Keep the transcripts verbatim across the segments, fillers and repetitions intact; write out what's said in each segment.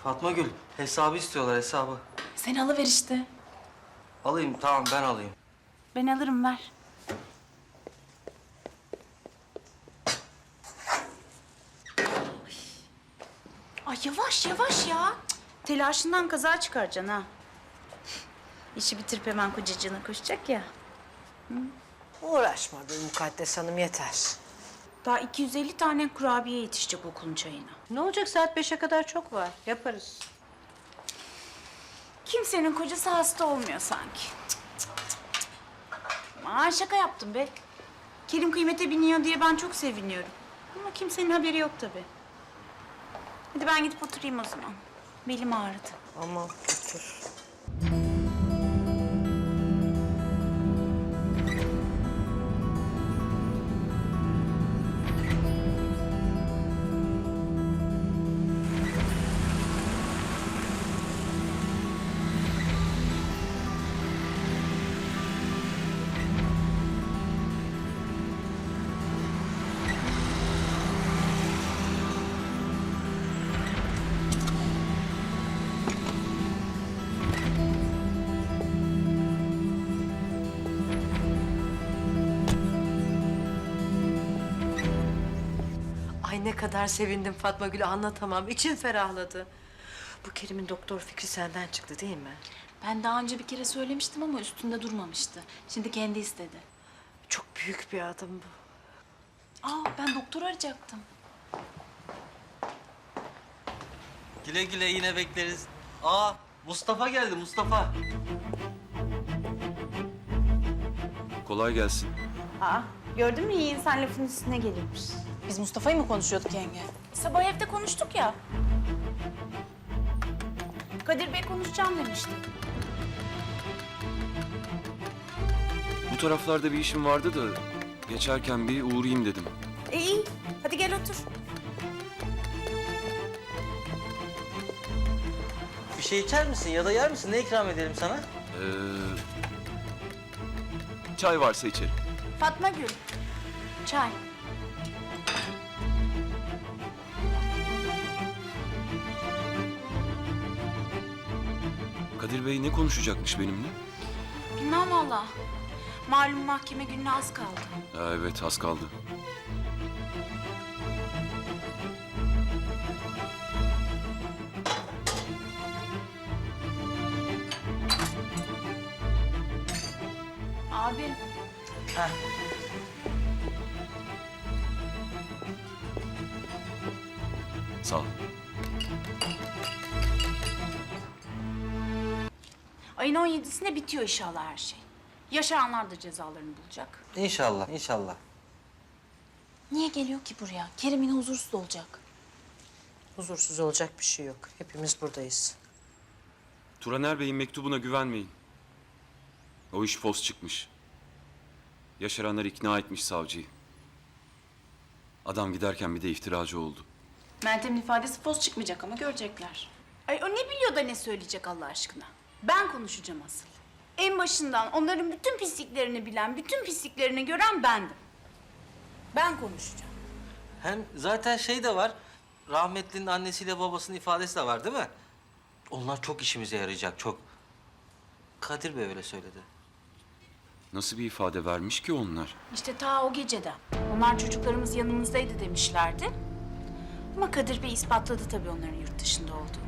Fatma Gül, hesabı istiyorlar, hesabı. Sen alıver işte. Alayım, tamam ben alayım. Ben alırım, ver. Ay yavaş yavaş ya. Cık, telaşından kaza çıkaracaksın ha. İşi bitirip hemen kocacığına koşacak ya. Uğraşma be Mukaddes Hanım, yeter. Daha iki yüz elli tane kurabiye yetişecek okulun çayına. Ne olacak, saat beşe kadar çok var. Yaparız. Kimsenin kocası hasta olmuyor sanki. Cık, cık, cık, cık. Aman şaka yaptım be. Kerim kıymete biniyor diye ben çok seviniyorum. Ama kimsenin haberi yok tabii. Hadi ben gidip oturayım o zaman. Belim ağrıdı. Aman otur. Ay ne kadar sevindim Fatma Gül, anlatamam. İçim ferahladı. Bu Kerim'in doktor fikri senden çıktı değil mi? Ben daha önce bir kere söylemiştim ama üstünde durmamıştı. Şimdi kendi istedi. Çok büyük bir adım bu. Aa ben doktor arayacaktım. Güle güle, yine bekleriz. Aa, Mustafa geldi, Mustafa. Kolay gelsin. Aa gördün mü, iyi insan lafın üstüne gelirmiş. Biz Mustafa'yı mı konuşuyorduk yenge? Sabah evde konuştuk ya. Kadir Bey konuşacağım demişti. Bu taraflarda bir işim vardı da geçerken bir uğrayayım dedim. E iyi, hadi gel otur. Bir şey içer misin ya da yer misin? Ne ikram edelim sana? Ee, çay varsa içerim. Fatma Gül, çay. Kadir Bey ne konuşacakmış benimle? Bilmem valla. Malum mahkeme gününe az kaldı. Ha, evet, az kaldı. Abi, Heh. Sağ ol. ayın on yedisinde bitiyor inşallah her şey. Yaşaranlar da cezalarını bulacak. İnşallah, inşallah. Niye geliyor ki buraya? Kerim yine huzursuz olacak. Huzursuz olacak bir şey yok. Hepimiz buradayız. Turaner Bey'in mektubuna güvenmeyin. O iş fos çıkmış. Yaşaranlar ikna etmiş savcıyı. Adam giderken bir de iftiracı oldu. Meltem'in ifadesi fos çıkmayacak ama görecekler. Ay o ne biliyor da ne söyleyecek Allah aşkına? Ben konuşacağım asıl. En başından onların bütün pisliklerini bilen, bütün pisliklerini gören bendim. Ben konuşacağım. Hem zaten şey de var, rahmetlinin annesiyle babasının ifadesi de var değil mi? Onlar çok işimize yarayacak, çok. Kadir Bey öyle söyledi. Nasıl bir ifade vermiş ki onlar? İşte ta o geceden. Onlar çocuklarımız yanımızdaydı demişlerdi. Ama Kadir Bey ispatladı tabii onların yurt dışında olduğunu.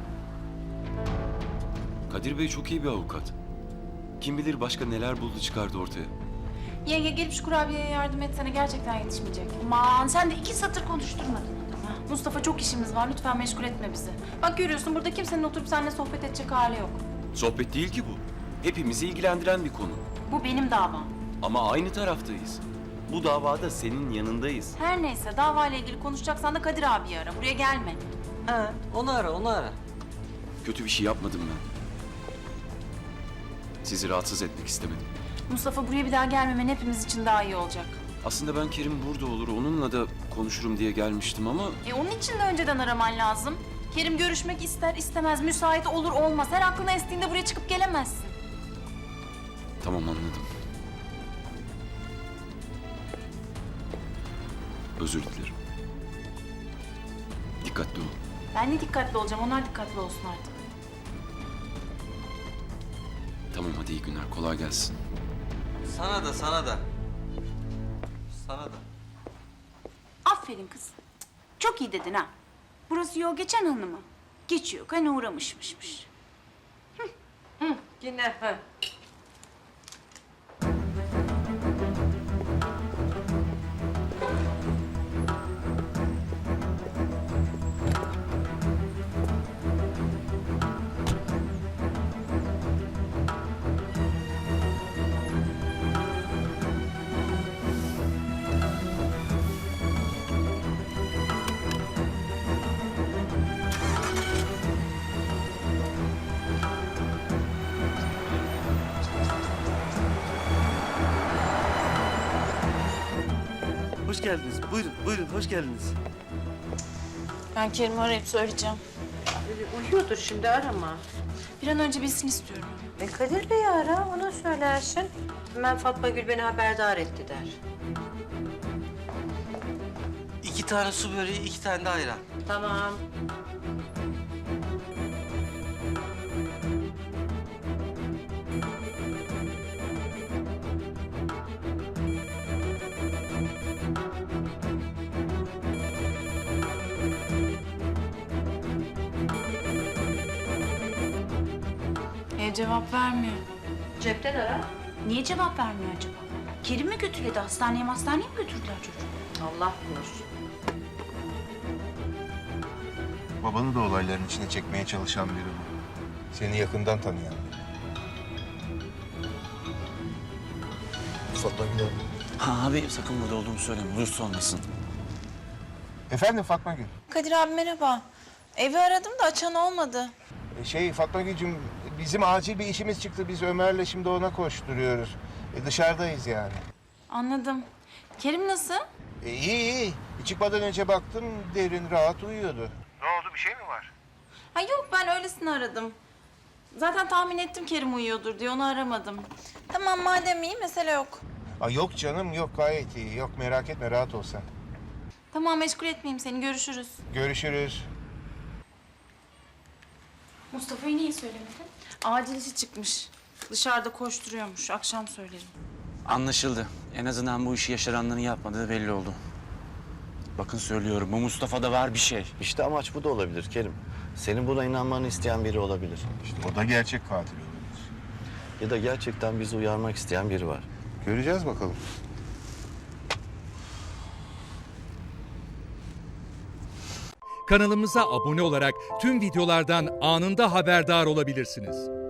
Kadir Bey çok iyi bir avukat. Kim bilir başka neler buldu çıkardı ortaya. Yenge gelip şu kurabiyeye yardım etsene, gerçekten yetişmeyecek. Aman sen de iki satır konuşturmadın adamı. Mustafa çok işimiz var, lütfen meşgul etme bizi. Bak görüyorsun, burada kimsenin oturup seninle sohbet edecek hali yok. Sohbet değil ki bu. Hepimizi ilgilendiren bir konu. Bu benim davam. Ama aynı taraftayız. Bu davada senin yanındayız. Her neyse, davayla ilgili konuşacaksan da Kadir abiyi ara, buraya gelme. Ha, onu ara, onu ara. Kötü bir şey yapmadım ben. Sizi rahatsız etmek istemedim. Mustafa buraya bir daha gelmemen hepimiz için daha iyi olacak. Aslında ben Kerim burada olur, onunla da konuşurum diye gelmiştim ama... E onun için de önceden araman lazım. Kerim görüşmek ister istemez, müsait olur olmaz. Her aklına estiğinde buraya çıkıp gelemezsin. Tamam, anladım. Özür dilerim. Dikkatli ol. Ben ne dikkatli olacağım, onlar dikkatli olsun artık. Tamam hadi iyi günler. Kolay gelsin. Sana da, sana da. Sana da. Aferin kız. Çok iyi dedin ha. Burası yol geçen hanımı. Geçiyor, hani uğramışmışmış. Yine. Ha. Hoş geldiniz. Buyurun, buyurun. Hoş geldiniz. Ben Kerim'i arayıp söyleyeceğim. Uyuyordur şimdi, arama. Bir an önce bilsin istiyorum. E Kadir Bey'i ara, ona söylersin. Hemen Fatma Gül beni haberdar etti der. İki tane su böreği, iki tane de ayran. Tamam. Ev cevap vermiyor. Cepten ara. Niye cevap vermiyor acaba? Kerim mi götürüyordu? Hastaneye hastaneye mi götürdüler çocuğu? Allah bilir. Babanı da olayların içine çekmeye çalışan biri bu. Seni yakından tanıyan biri. Fatma Gül Hanım. Ha abi sakın burada olduğumu söyleme. Duyursa olmasın. Efendim Fatma Gül. Kadir abi merhaba. Evi aradım da açan olmadı. E, Şey Fatma Gül'cüm bizim acil bir işimiz çıktı. Biz Ömer'le şimdi ona koşturuyoruz. E, dışarıdayız yani. Anladım. Kerim nasıl? E, iyi iyi. Çıkmadan önce baktım derin rahat uyuyordu. Ne oldu bir şey mi var? Ha yok ben öylesini aradım. Zaten tahmin ettim Kerim uyuyordur diye onu aramadım. Tamam madem iyi mesele yok. Aa, yok canım yok gayet iyi. Yok merak etme rahat ol sen. Tamam meşgul etmeyeyim seni görüşürüz. Görüşürüz. Mustafa'yı niye söylemedin? Acil işi çıkmış. Dışarıda koşturuyormuş. Akşam söylerim. Anlaşıldı. En azından bu işi yaşaranların yapmadığı belli oldu. Bakın söylüyorum bu Mustafa'da var bir şey. İşte amaç bu da olabilir Kerim. Senin buna inanmanı isteyen biri olabilir. İşte o da gerçek katil olabilir. Ya da gerçekten bizi uyarmak isteyen biri var. Göreceğiz bakalım. Kanalımıza abone olarak tüm videolardan anında haberdar olabilirsiniz.